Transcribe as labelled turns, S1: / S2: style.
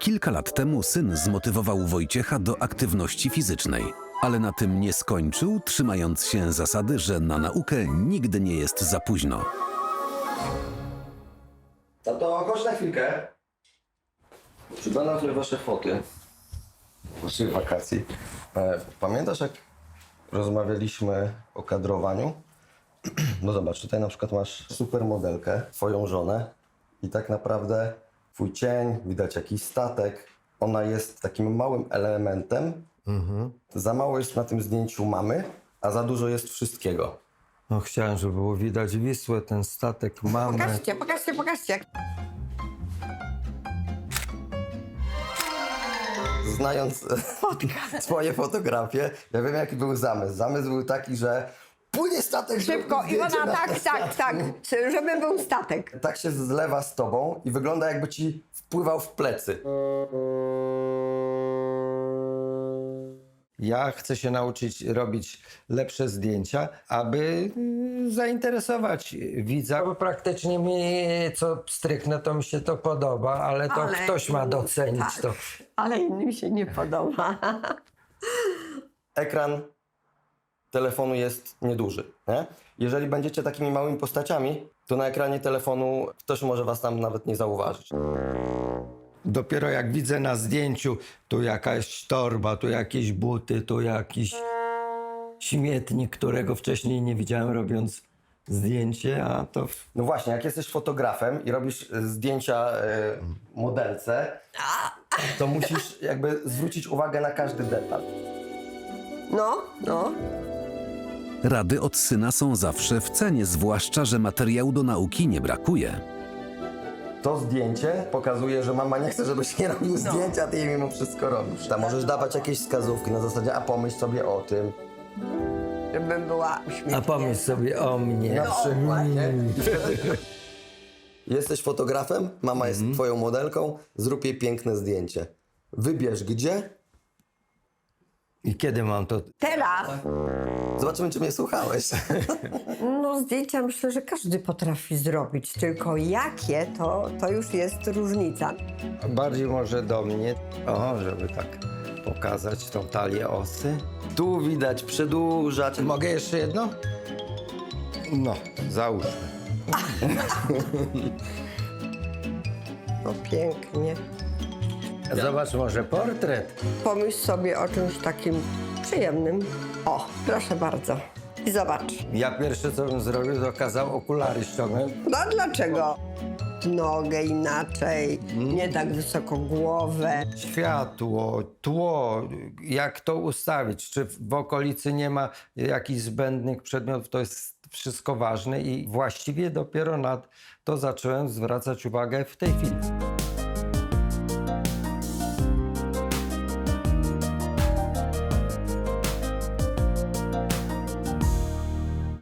S1: Kilka lat temu syn zmotywował Wojciecha do aktywności fizycznej, ale na tym nie skończył, trzymając się zasady, że na naukę nigdy nie jest za późno.
S2: To chodź na chwilkę. Przyglądam sobie wasze foty waszych wakacji. Pamiętasz, jak rozmawialiśmy o kadrowaniu? No zobacz, tutaj na przykład masz supermodelkę, twoją żonę i tak naprawdę twój cień, widać jakiś statek. Ona jest takim małym elementem. Za mało jest na tym zdjęciu mamy, a za dużo jest wszystkiego.
S3: No chciałem, żeby było widać Wisłę, ten statek, mamę.
S4: Pokażcie.
S2: Znając twoje fotografie, ja wiem, jaki był zamysł. Zamysł był taki, że płynie statek.
S4: Szybko,
S2: zróbmy
S4: Iwona,
S2: zdjęcie na
S4: tak, żeby był statek.
S2: Tak się zlewa z tobą i wygląda, jakby ci wpływał w plecy.
S3: Ja chcę się nauczyć robić lepsze zdjęcia, aby zainteresować widza. Bo praktycznie mi co stryknę, to mi się to podoba, ale to ktoś ma docenić to.
S4: Ale innym się nie podoba.
S2: Ekran telefonu jest nieduży, nie? Jeżeli będziecie takimi małymi postaciami, to na ekranie telefonu ktoś może was tam nawet nie zauważyć.
S3: Dopiero jak widzę na zdjęciu, tu jakaś torba, tu jakieś buty, tu jakiś śmietnik, którego wcześniej nie widziałem robiąc zdjęcie, a to...
S2: No właśnie, jak jesteś fotografem i robisz zdjęcia modelce, to musisz jakby zwrócić uwagę na każdy detal.
S4: No.
S1: Rady od syna są zawsze w cenie, zwłaszcza że materiału do nauki nie brakuje.
S2: To zdjęcie pokazuje, że mama nie chce, żebyś nie robił zdjęcia, a ty jej mimo wszystko robisz. Tam możesz dawać jakieś wskazówki na zasadzie, a pomyśl sobie o tym.
S4: Żebym była uśmiechnięta.
S3: A pomyśl sobie o mnie.
S2: Na przykład, nie? Jesteś fotografem, mama jest twoją modelką, zrób jej piękne zdjęcie. Wybierz gdzie.
S3: I kiedy mam to...
S4: Teraz,
S2: Zobaczymy, czy mnie słuchałeś.
S4: no zdjęcia myślę, że każdy potrafi zrobić, tylko jakie, to już jest różnica.
S3: Bardziej może do mnie, żeby tak pokazać tą talię osy.
S2: Tu widać przedłużać.
S3: Mogę jeszcze jedno? No, załóżmy.
S4: No pięknie.
S3: Zobacz, może portret.
S4: Pomyśl sobie o czymś takim przyjemnym. O, proszę bardzo. I zobacz.
S3: Ja pierwsze, co bym zrobił, to kazał okulary ściągnąć.
S4: No a dlaczego? Nogę inaczej, nie tak wysoko głowę.
S3: Światło, tło, jak to ustawić? Czy w okolicy nie ma jakichś zbędnych przedmiotów? To jest wszystko ważne i właściwie dopiero na to zacząłem zwracać uwagę w tej chwili.